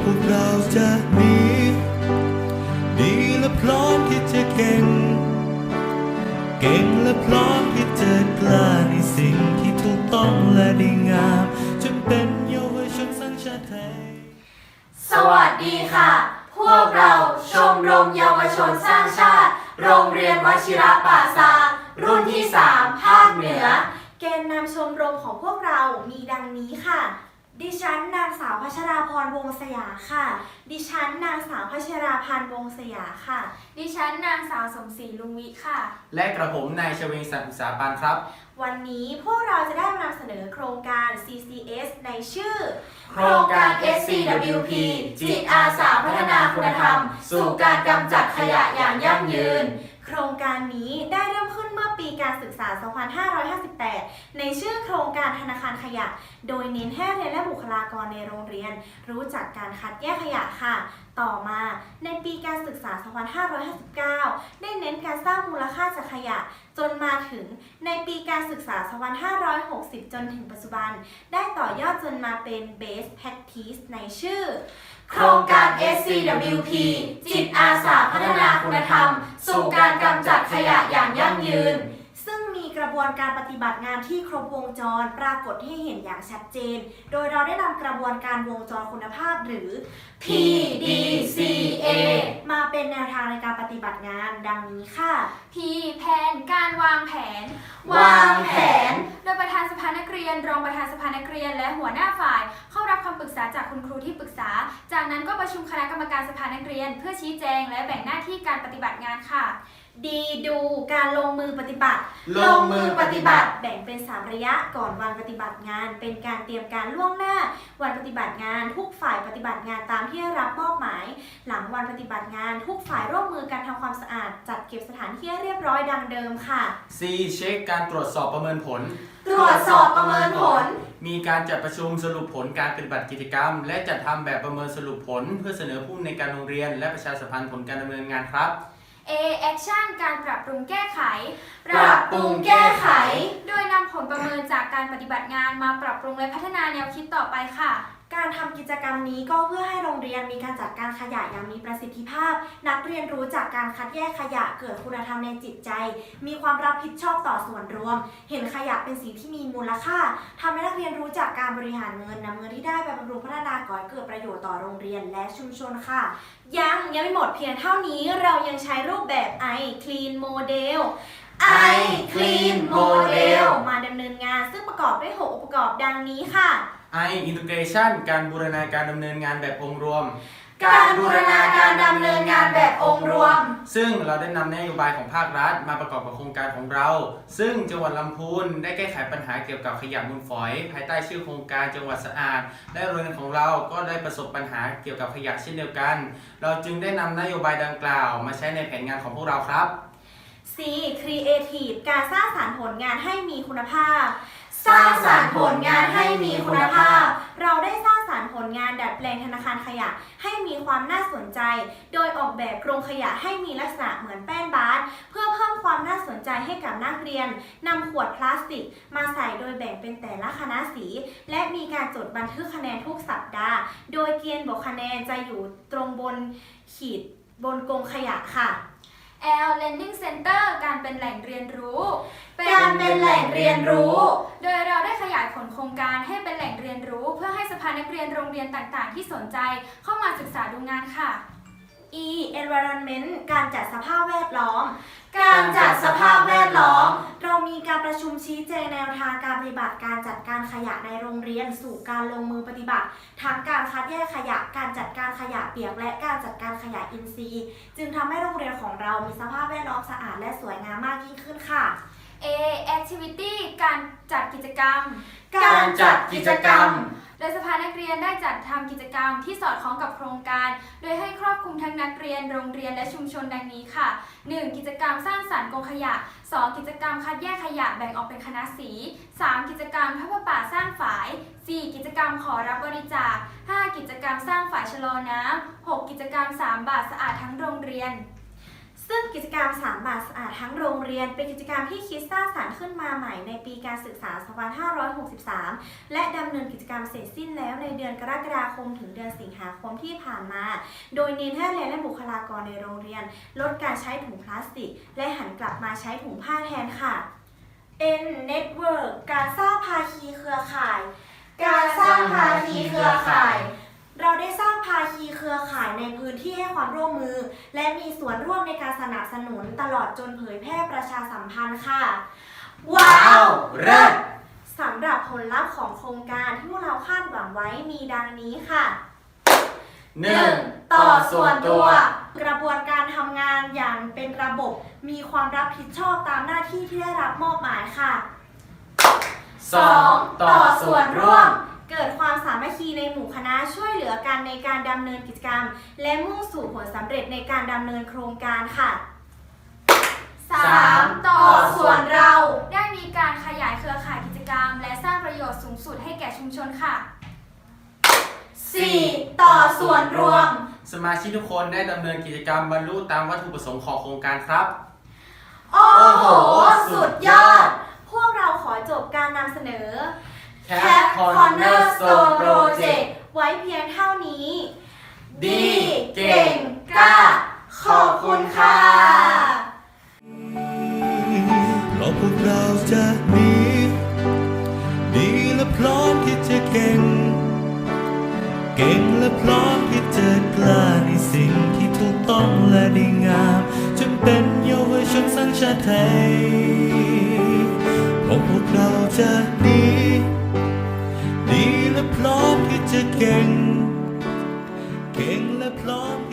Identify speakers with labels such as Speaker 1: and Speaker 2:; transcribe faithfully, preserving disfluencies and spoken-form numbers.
Speaker 1: พวกเราจะมีดีและพร้อมที่จะเก่งเก่งและพร้อมที่จะกล้าในสิ่งที่ถูกต้องและดีงามจะเป็นเยาวชนสัญชาติไทย
Speaker 2: สวัสดีค่ะ พวกเราชมรมเยาวชนสร้างชาติโรงเรียนวชิระป่าซางรุ่นที่สามภาคเหนือ
Speaker 3: แกนนำชมรมของพวกเรามีดังนี้ค่ะดิฉันนางสาวพัชราพรวงศ์สยาค่ะดิฉันนางสาวพัชราพันธ์วงศ์สยาค่ะ
Speaker 4: ดิฉันนางสาวสมศรีลุงวิค่ะ
Speaker 5: และกระผมนายชเวงศักดิ์อุตสาปานครับ
Speaker 3: วันนี้พวกเราจะได้มานำเสนอโครงการ ซี ซี เอส ในชื่อ
Speaker 2: โครงการ เอส ซี ดับเบิลยู พี จิตอาสาพัฒนาคุณธรรมสู่การกำจัดขยะอย่างยั่งยืน
Speaker 3: โครงการนี้ได้เริ่มขึ้นเมื่อปีการศึกษา สองพันห้าร้อยห้าสิบแปด ในชื่อโครงการธนาคารขยะโดยเน้นให้เรียนและบุคลากรในโรงเรียนรู้จักการคัดแยกขยะค่ะต่อมาในปีการศึกษา สองพันห้าร้อยห้าสิบเก้า ได้เน้นการสร้างมูลค่าจากขยะจนมาถึงในปีการศึกษา สองพันห้าร้อยหกสิบ จนถึงปัจจุบันได้ต่อยอดจนมาเป็น Best Practice ในชื่อ
Speaker 2: โครงการ เอส ซี ดับเบิลยู พี จิตอาสาพัฒนาคุณธรรมสู่การกำจัดขยะอย่างยั่งยืน
Speaker 3: ซึ่งมีกระบวนการปฏิบัติงานที่ครบวงจรปรากฏให้เห็นอย่างชัดเจนโดยเราได้นำกระบวนการวงจรคุณภาพหรือ
Speaker 2: พี ดี ซี เอ
Speaker 3: มาเป็นแนวทางในการปฏิบัติงานดังนี้ค่ะ
Speaker 4: P แผนการวางแผน
Speaker 2: วางแผน
Speaker 4: โดยประธานสภานักเรียนรองประธานสภานักเรียนและหัวหน้าฝ่ายเข้ารับคำปรึกษาจากคุณครูที่ปรึกษาจากนั้นก็ประชุมคณะกรรมการสภานักเรียนเพื่อชี้แจงและแบ่งหน้าที่การปฏิบัติงานค่ะ
Speaker 3: ดีดูการลงมือปฏิบัติ
Speaker 2: ลงมือปฏิบัติ
Speaker 3: แบ่งเป็นสามระยะก่อนวันปฏิบัติงานเป็นการเตรียมการล่วงหน้าวันปฏิบัติงานทุกฝ่ายปฏิบัติงานตามที่ได้รับมอบหมายหลังวันปฏิบัติงานทุกฝ่ายร่วมมือกันทำความสะอาดจัดเก็บสถานที่ให้เรียบร้อยดังเดิมค่ะ
Speaker 5: C เช็คการตรวจสอบประเมินผล
Speaker 2: ตรวจสอบประเมินผล
Speaker 5: มีการจัดประชุมสรุปผลการปฏิบัติกิจกรรมและจัดทำแบบประเมินสรุปผลเพื่อเสนอผู้ในการโรงเรียนและประชาสัมพันธ์ผลการดำเนินงานครับ
Speaker 4: A Action การปรับปรุงแก้ไข
Speaker 2: ปรับปรุงแก้ไข
Speaker 4: โดยนำผลประเมินจากการปฏิบัติงานมาปรับปรุงและพัฒนาแนวคิดต่อไปค่ะ
Speaker 3: การทำกิจกรรมนี้ก็เพื่อให้โรงเรียนมีการจัดการขยะอย่างมีประสิทธิภาพนักเรียนรู้จักการคัดแยกขยะเกิดคุณธรรมในจิตใจมีความรับผิดชอบต่อส่วนรวมเห็นขยะเป็นสิ่งที่มีมูลค่าทำให้นักเรียนรู้จักการบริหารเงินนำเงินที่ได้ไปบำรุงพัฒนาก่อให้เกิดประโยชน์ต่อโรงเรียนและชุมชนค่ะยังยังไม่หมดเพียงเท่านี้เรายังใช้รูปแบบ I Clean Model
Speaker 2: I Clean Model
Speaker 3: มาดำเนินงานซึ่งประกอบด้วยหกองค์ประกอบดังนี้ค่ะ
Speaker 5: I Integration การบูรณาการดำเนินงานแบบองค์รวม
Speaker 2: การบูรณาการดำเนินงานแบบองค์รวม
Speaker 5: ซึ่งเราได้นำนโยบายของภาครัฐมาประกอบกับโครงการของเราซึ่งจังหวัดลำพูนได้แก้ไขปัญหาเกี่ยวกับขยะมูลฝอยภายใต้ชื่อโครงการจังหวัดสะอาดและโรงเรียนของเราก็ได้ประสบปัญหาเกี่ยวกับขยะเช่นเดียวกันเราจึงได้นำนโยบายดังกล่าวมาใช้ในแผนงานของพวกเราครับ
Speaker 3: C Creative การสร้างสรรค์ผลงานให้มีคุณภาพ
Speaker 2: สร้างสรรค์ผลงานให้มีคุณภาพ
Speaker 3: เราได้สร้างสรรค์ผลงานดัดแปลงธนาคารขยะให้มีความน่าสนใจโดยออกแบบโครงขยะให้มีลักษณะเหมือนแป้นบาสเพื่อเพิ่มความน่าสนใจให้กับนักเรียนนำขวดพลาสติกมาใส่โดยแบ่งเป็นแต่ละคณะสีและมีการจดบันทึกคะแนนทุกสัปดาห์โดยเกณฑ์บวกคะแนนจะอยู่ตรงบนขีดบนกรงขยะค่ะ
Speaker 4: L Learning Center การเป็นแหล่งเรียนรู้
Speaker 2: การเป็นแหล่งเรียนรู้
Speaker 4: โดยเราได้ขยายผลโครงการให้เป็นแหล่งเรียนรู้เพื่อให้สภานักเรียนโรงเรียนต่างๆที่สนใจเข้ามาศึกษาดูงานค่ะ
Speaker 3: E Environment การจัดสภาพแวดล้อม
Speaker 2: การจัดสภาพแวดล้อม
Speaker 3: เรามีการประชุมชี้แจงแนวทางการปฏิบัติการจัดการขยะในโรงเรียนสู่การลงมือปฏิบัติทั้งการคัดแยกขยะการจัดการขยะเปียกและการจัดการขยะอินทรีย์จึงทำให้โรงเรียนของเรามีสภาพแวดล้อมสะอาดและสวยงามมากยิ่งขึ้นค่ะ
Speaker 4: A Activity การจัดกิจกรรม
Speaker 2: การจัดกิจกรรม
Speaker 4: โดยสภานักเรียนได้จัดทำกิจกรรมที่สอดคล้องกับโครงการโดยให้ครอบคลุมทั้งนักเรียนโรงเรียนและชุมชนดังนี้ค่ะ หนึ่ง กิจกรรมสร้างสรรค์กองขยะ สอง กิจกรรมคัดแยกขยะแบ่งออกเป็นคณะสี สาม กิจกรรมทอดผ้าป่าสร้างฝาย สี่ กิจกรรมขอรับบริจาค ห้า กิจกรรมสร้างฝายชะลอน้ำ หก กิจกรรมสามบาทสะอาดทั้งโรงเรียน
Speaker 3: ซึ่ซึ่งกิจกรรมสามบาทสะอาดทั้งโรงเรียนเป็นกิจกรรมที่คิดสร้างสรรค์ขึ้นมาใหม่ในปีการศึกษา สองพันห้าร้อยหกสิบสาม และดำเนินกิจกรรมเสร็จสิ้นแล้วในเดือนกรกฎาคมถึงเดือนสิงหาคมที่ผ่านมา โดยเน้นให้นักเรียนและบุคลากรในโรงเรียนลดการใช้ถุงพลาสติกและหันกลับมาใช้ถุงผ้าแทนค่ะ N Network การสร้างภาคีเครือข่าย
Speaker 2: การสร้างภาคีเครือข่าย
Speaker 3: เราได้สร้างภาคีเครือข่ายในพื้นที่ให้ความร่วมมือ และมีส่วนร่วมในการสนับสนุนตลอดจนเผยแพร่ประชาสัมพันธ์ค่ะ
Speaker 2: ว้าวเลิศ
Speaker 3: สำหรับผลลัพธ์ของโครงการที่พวกเราคาดหวังไว้มีดังนี้ค่ะ
Speaker 5: หนึ่ง
Speaker 2: ต่อส่วนตัว
Speaker 3: กระบวนการทำงานอย่างเป็นระบบมีความรับผิดชอบตามหน้าที่ที่ได้รับมอบหมายค่ะ
Speaker 5: สอง ต่อส่วนร่วม
Speaker 3: เกิดความสามัคคีในหมู่คณะช่วยเหลือกันในการดำเนินกิจกรรม และมุ่งสู่ผลสำเร็จในการดำเนินโครงการค่ะ
Speaker 4: สาม ต่อส่วนเรา ได้มีการขยายเครือข่ายกิจกรรม และสร้างประโยชน์สูงสุดให้แก่ชุมชนค่ะ
Speaker 2: สี่ ต่อส่วนรวม
Speaker 5: สมาชิกทุกคนได้ดำเนินกิจกรรมบรรลุตามวัตถุประสงค์ของโครงการครับ
Speaker 2: โอ้โห สุดยอด
Speaker 3: พวกเราขอจบการนำเสนอ
Speaker 2: Cat Cornerstone Project
Speaker 3: ไว้เพียงเท่านี้
Speaker 2: ดี เก่ง กล้า ขอบคุณค่ะ
Speaker 1: เพราะพวกเราจะดีดีและพร้อมที่จะเก่ง เก่งและพร้อมที่จะกล้าในสิ่งที่ถูกต้องและดีงามจนเป็นเยาวชนสร้างชาติไทยเพราะพวกเราจะดีดีและพร้อมที่จะเก่ง เก่งและพร้อม